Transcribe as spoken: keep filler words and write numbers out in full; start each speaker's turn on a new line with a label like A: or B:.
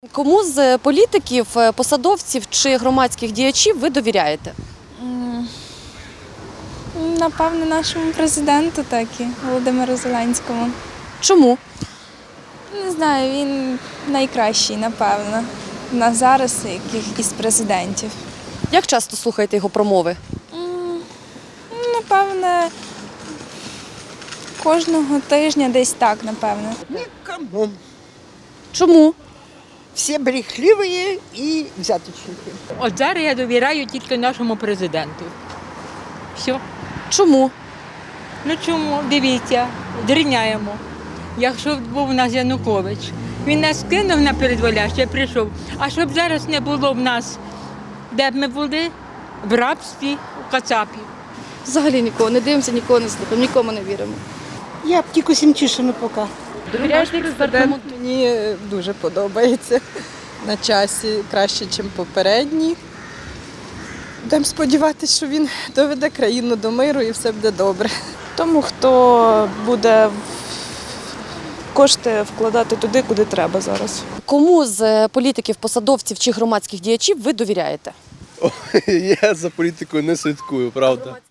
A: Кому з політиків, посадовців чи громадських діячів ви довіряєте?
B: Напевно, нашому президенту, так і Володимиру Зеленському.
A: Чому?
B: Не знаю, він найкращий, напевно, на зараз яких із президентів.
A: Як часто слухаєте його промови?
B: Напевне, кожного тижня десь так, напевно.
C: Никому.
A: Чому?
C: Всі брехливі і взяточники.
D: От зараз я довіряю тільки нашому президенту. Все.
A: Чому?
D: Ну чому? Дивіться, дріняємо. Якщо б був у нас Янукович, він нас кинув на передволяще, прийшов. А щоб зараз не було в нас, де б ми були? В рабстві, у кацапі.
E: Взагалі нікого не дивимося, нікого не слухаємо, нікому не віримо.
F: Я б тільки Сімчишину поки.
A: Довіряєте експертам?
G: Мені дуже подобається на часі, краще, ніж попередній. Будемо сподіватися, що він доведе країну до миру і все буде добре.
H: Тому, хто буде кошти вкладати туди, куди треба зараз.
A: Кому з політиків, посадовців чи громадських діячів ви довіряєте?
I: Я за політикою не слідкую, правда.